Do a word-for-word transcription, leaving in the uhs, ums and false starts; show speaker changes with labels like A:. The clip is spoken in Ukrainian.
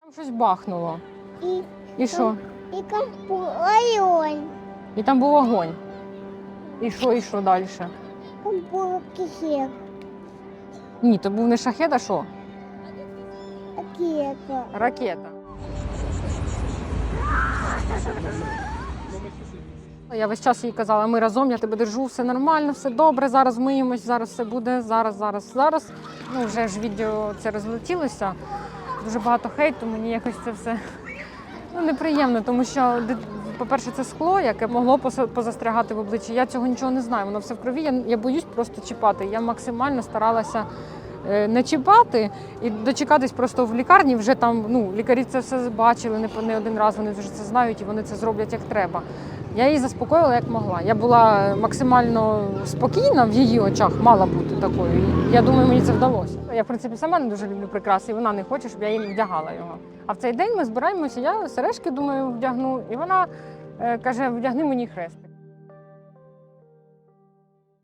A: Щось бахнуло.
B: І,
A: І що?
B: і там був район.
A: І там був огонь. І що, і що далі?
B: Там був кисет.
A: Ні, то був не шахет, а що?
B: Ракета.
A: Ракета. Я весь час їй казала, ми разом, я тебе держу, все нормально, все добре, зараз миємось, зараз все буде, зараз, зараз, зараз. Ну, вже ж відео це розлетілося. Дуже багато хейту, мені якось це все ну, неприємно, тому що, по-перше, це скло, яке могло позастрягати в обличчі. Я цього нічого не знаю, воно все в крові, я, я боюсь просто чіпати. Я максимально старалася не чіпати і дочекатись просто в лікарні, вже там, ну, лікарі це все бачили не, не один раз, вони вже це знають і вони це зроблять як треба. Я її заспокоїла як могла. Я була максимально спокійна в її очах, мала бути такою. І я думаю, мені це вдалося. Я, в принципі, сама не дуже люблю прикраси, і вона не хоче, щоб я їй вдягала його. А в цей день ми збираємося, я сережки, думаю, вдягну, і вона е, каже, вдягни мені хрестик.